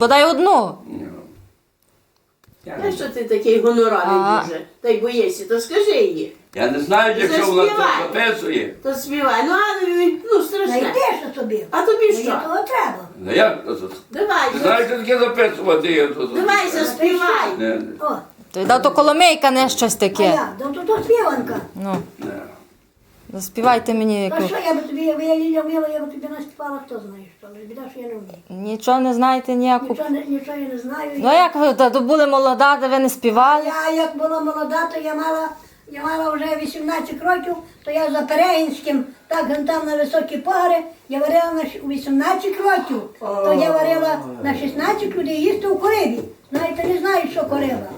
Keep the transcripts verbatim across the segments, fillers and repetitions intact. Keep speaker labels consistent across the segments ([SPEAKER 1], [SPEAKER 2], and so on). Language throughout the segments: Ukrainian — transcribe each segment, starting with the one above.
[SPEAKER 1] дай одну.
[SPEAKER 2] А що ти такий гоноравий
[SPEAKER 1] А.
[SPEAKER 2] дуже? Та й боїшся, то скажи їй.
[SPEAKER 3] Я не знаю, якщо вона
[SPEAKER 2] Заспівай.
[SPEAKER 3] це записує.
[SPEAKER 2] То співай. Ну, а ну страшне.
[SPEAKER 4] Знайдеш собі.
[SPEAKER 2] А тобі
[SPEAKER 4] Мені
[SPEAKER 2] що?
[SPEAKER 4] того треба.
[SPEAKER 3] Ну як? то- то-
[SPEAKER 2] Давай,
[SPEAKER 3] Ти
[SPEAKER 2] за-
[SPEAKER 3] знаєш, що таке записувати? Я то- то-
[SPEAKER 2] давай заспівай.
[SPEAKER 3] Не,
[SPEAKER 4] О,
[SPEAKER 1] То да, то коломейка, не щось
[SPEAKER 4] а
[SPEAKER 1] таке.
[SPEAKER 4] я, то тут то співанка.
[SPEAKER 1] Ну,
[SPEAKER 3] не.
[SPEAKER 1] заспівайте мені
[SPEAKER 4] Та
[SPEAKER 1] яку.
[SPEAKER 4] що я би тобі, якби я Ліля вміла, я би тобі наспівала, хто знає що. Але біда, що я не вмію.
[SPEAKER 1] Нічого не знаєте ніяку.
[SPEAKER 4] Нічого, не- нічого я не знаю.
[SPEAKER 1] Ну як ви та, то були молода, де ви не співали?
[SPEAKER 4] Я як була молода, то я мала, я мала вже вісімнадцять років, то я за Перегінським, так ген там на високі погори, я варила на щ- у вісімнадцять років, то я варила на шістнадцять людей їсти у корибі. Знаєте, не знаю, що кориба.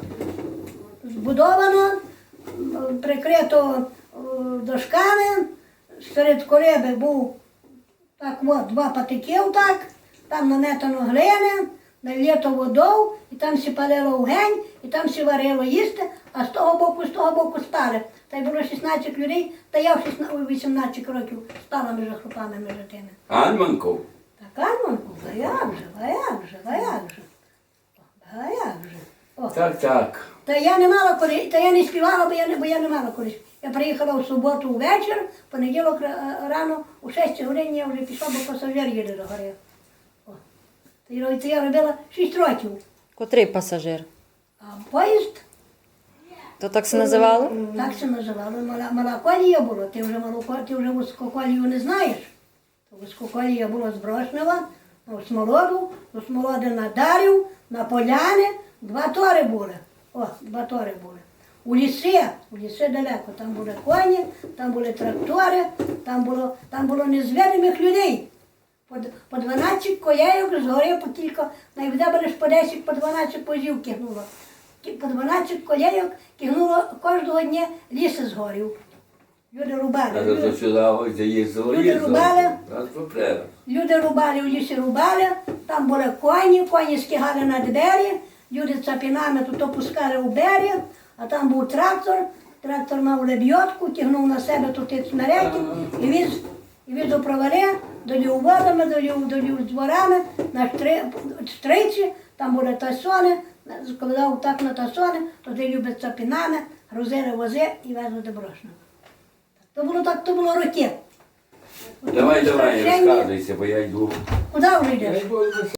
[SPEAKER 4] Збудовано, м, прикрито е, дошками, серед кориби був так от, два патиків так, там нанетано глини, налито водою, і там сі палило вогонь, і там сі варило їсти, а з того боку, з того боку спали. Та й було шістнадцять людей, та я в шістнадцять, у вісімнадцять років спала між хлопами, між тими.
[SPEAKER 3] Альманков.
[SPEAKER 4] Так, Арманку, а як же, а як же, а як же, а як же. О.
[SPEAKER 3] Так, так.
[SPEAKER 4] Та я не мала коли, та я не співала, бо я не, бо я не мала колись. Я приїхала в суботу ввечір, в понеділок ра- рано, у шестій годині я вже пішла, бо пасажир їде до гори. О. Та я- Це я робила шість років.
[SPEAKER 1] Котрий пасажир?
[SPEAKER 4] А поїзд,
[SPEAKER 1] То так се називало?
[SPEAKER 4] так се називало, мала, мала колія була. Ти вже малу ко- ти вже вузьку колію не знаєш. Вузьку колія була з Брошнева, на Смолоду, до Смолоди на Дарів, на Поляни, два тори були. О, два тори були. У ліси, у ліси далеко, там були коні, там були трактори, там було, там було незведених людей. По, д- по дванадцять коєйок згорів, по тільки, найвде лише по десять, по дванадцять позів кигнуло. Ті- По дванадцять коєйок кигнуло кожного дня ліс згорів. Люди рубали.
[SPEAKER 3] А то
[SPEAKER 4] Люди,
[SPEAKER 3] сюди ось де їздило,
[SPEAKER 4] Люди
[SPEAKER 3] їздило.
[SPEAKER 4] рубали.
[SPEAKER 3] Раз попрямо.
[SPEAKER 4] люди рубали, в лісі рубали, там були коні, коні скигали на двері, люди цапінами тут опускали у берег, а там був трактор, трактор мав лебідку, тягнув на себе тут ті снаряди і віз, і віз у провари, долів водами, долів, долів дворами, на штри- штриці, там були тасони, складав так на тасони, туди люди цапінами, грузили вози і везли до Брошного. То було так, то було роки.
[SPEAKER 3] Давай, давай,
[SPEAKER 4] Страшенні.
[SPEAKER 3] розказуйся, бо я йду.
[SPEAKER 4] Куди вже йдеш?